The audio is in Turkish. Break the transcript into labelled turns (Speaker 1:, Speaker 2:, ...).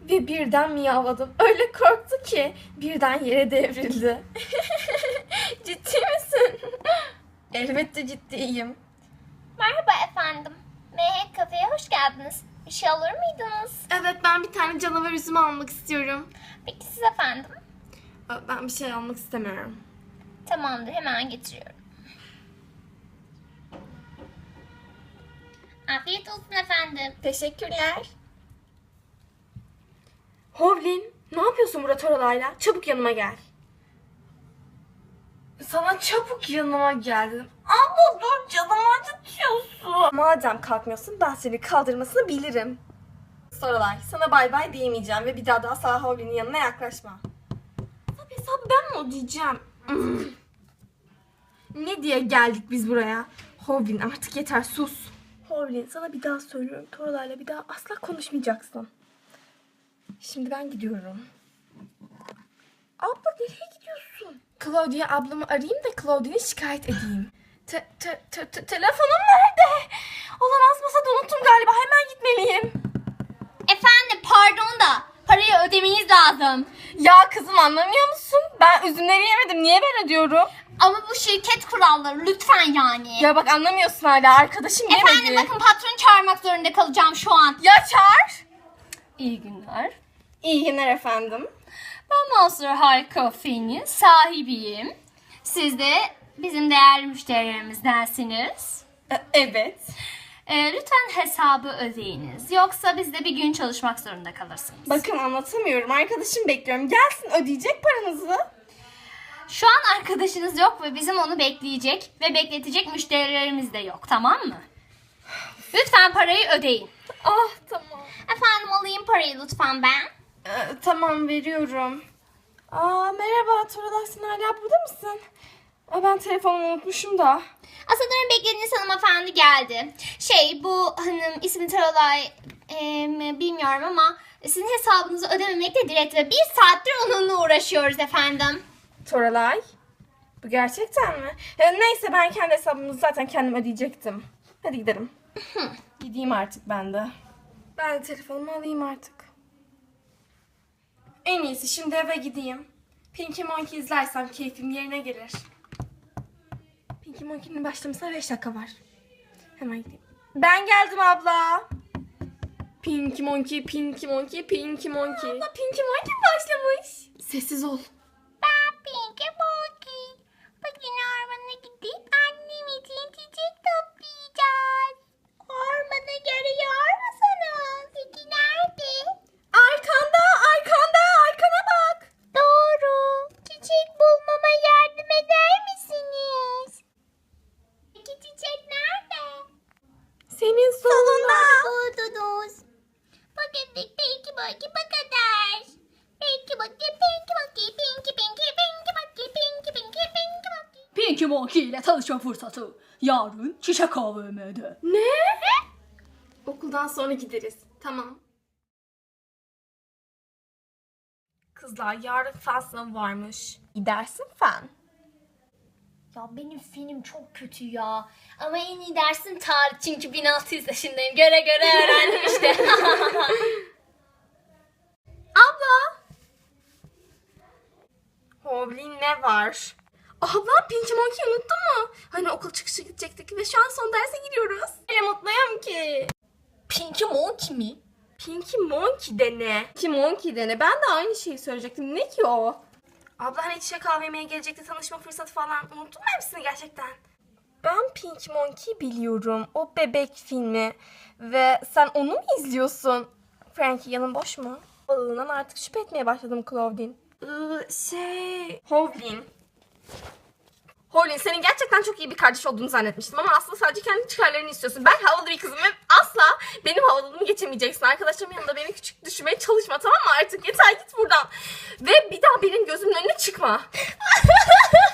Speaker 1: Ve birden miyavladım. Öyle korktu ki birden yere devrildi. Ciddi misin? Elbette ciddiyim.
Speaker 2: Merhaba efendim. Mehek Kafe'ye hoş geldiniz. Bir şey alır mıydınız?
Speaker 1: Evet, ben bir tane canavar üzüm almak istiyorum.
Speaker 2: Peki siz efendim?
Speaker 1: Ben bir şey almak istemiyorum.
Speaker 2: Tamamdır, hemen getiriyorum. Afiyet olsun efendim.
Speaker 1: Teşekkürler. Hovlin, ne yapıyorsun burada Toralay'la? Çabuk yanıma gel. Sana çabuk yanıma geldim. Abla dur, canımı acıtıyorsun. Madem kalkmıyorsun, ben seni kaldırmasını bilirim. Toralay, sana bay bay diyemeyeceğim ve bir daha da asla Hovlin'in yanına yaklaşma. Hesabı ben mi ödeyeceğim? Ne diye geldik biz buraya? Hovlin, artık yeter, sus. Hovlin, sana bir daha söylüyorum. Toralay'la bir daha asla konuşmayacaksın. Şimdi ben gidiyorum. Abla nereye gidiyorsun? Claudia ablamı arayayım da Claudia'yı şikayet edeyim. Telefonum nerede? Olamaz, masada unuttum galiba. Hemen gitmeliyim.
Speaker 2: Efendim pardon da parayı ödemeniz lazım.
Speaker 1: Ya kızım, anlamıyor musun? Ben üzümleri yemedim. Niye ben ödüyorum?
Speaker 2: Ama bu şirket kuralları lütfen yani.
Speaker 1: Ya bak, anlamıyorsun hala. Arkadaşım yemedi.
Speaker 2: Efendim bakın patronu çağırmak zorunda kalacağım şu an.
Speaker 1: Ya çağır.
Speaker 2: İyi günler.
Speaker 1: İyi günler efendim.
Speaker 2: Ben Monster High Coffee'nin sahibiyim. Siz de bizim değerli müşterilerimizdensiniz.
Speaker 1: Evet.
Speaker 2: Lütfen hesabı ödeyiniz. Yoksa biz de bir gün çalışmak zorunda kalırsınız.
Speaker 1: Bakın, anlatamıyorum. Arkadaşım bekliyorum. Gelsin, ödeyecek paranızı.
Speaker 2: Şu an arkadaşınız yok ve bizim onu bekleyecek ve bekletecek müşterilerimiz de yok, tamam mı? Lütfen parayı ödeyin.
Speaker 1: Ah, tamam.
Speaker 2: Efendim alayım parayı lütfen ben.
Speaker 1: Tamam, veriyorum. Merhaba Toralay, sen hala burada mısın? Ben telefonumu unutmuşum da.
Speaker 2: Asadır'ın beklediğiniz hanımefendi geldi. Bu hanım ismi Toralay bilmiyorum ama sizin hesabınızı ödememekle direkt ve 1 saattir onunla uğraşıyoruz efendim.
Speaker 1: Toralay, bu gerçekten mi? Neyse, ben kendi hesabımı zaten kendim ödeyecektim. Hadi gidelim. Gideyim artık ben de. Ben de telefonumu alayım artık. En iyisi şimdi eve gideyim. Pinky Monkey izlersem keyfim yerine gelir. Pinky Monkey'nin başlamasına 5 dakika var. Hemen gideyim. Ben geldim abla. Pinky Monkey, Pinky Monkey, Pinky Monkey. Abla, Pinky Monkey başlamış. Sessiz ol.
Speaker 2: Ben Pinky Monkey. Bugün ormana gidip annem için çiçek toplayacağız. Ormanı görüyor musunuz? Peki nerede?
Speaker 1: Arkanda, arkanda, arkana bak.
Speaker 2: Doğru. Çiçek bulmama yardım eder misiniz? Peki çiçek nerede?
Speaker 1: Senin solunda.
Speaker 2: Buldunuz. Bugünlük Pinky Monkey bu kadar. Pinky Monkey, Pinky Monkey, Pinky Pinky, Pinky Monkey, Pinky Pinky, Pinky Monkey.
Speaker 3: Pinky Monkey ile tanışma fırsatı. Yarın Çiçek AVM'de.
Speaker 1: Ne? Okuldan sonra gideriz. Tamam. Kızlar, yarın fen sınavı varmış. Gidersin fen.
Speaker 2: Ya benim fenim çok kötü ya. Ama en iyi dersim tarih çünkü 1600 yaşındayım. Göre göre öğrendim işte.
Speaker 1: Abla. Hovlin, ne var? Abla, Pinky Monkey'i unuttun mu? Hani okul çıkışı gidecektik ve şu an son derse giriyoruz. Öyle mutluyum ki.
Speaker 2: Pinky Monkey mi?
Speaker 1: Pinky Monkey de ne? Pinky Monkey de ne? Ben de aynı şeyi söyleyecektim. Ne ki o? Abla, hani Çiçek AVM'ye gelecekti, tanışma fırsatı falan. Unuttun mu hepsini gerçekten? Ben Pinky Monkey biliyorum. O bebek filmi. Ve sen onu mu izliyorsun? Frankie, yanın boş mu? Balığından artık şüphe etmeye başladım Claudine. Hovlin. Hovlin, senin gerçekten çok iyi bir kardeş olduğunu zannetmiştim ama aslında sadece kendi çıkarlarını istiyorsun. Ben havalı bir kızım ve asla benim havalılığımı geçemeyeceksin. Arkadaşlarımın yanında beni küçük düşürmeye çalışma, tamam mı? Artık yeter, git buradan. Ve bir daha benim gözümün önüne çıkma.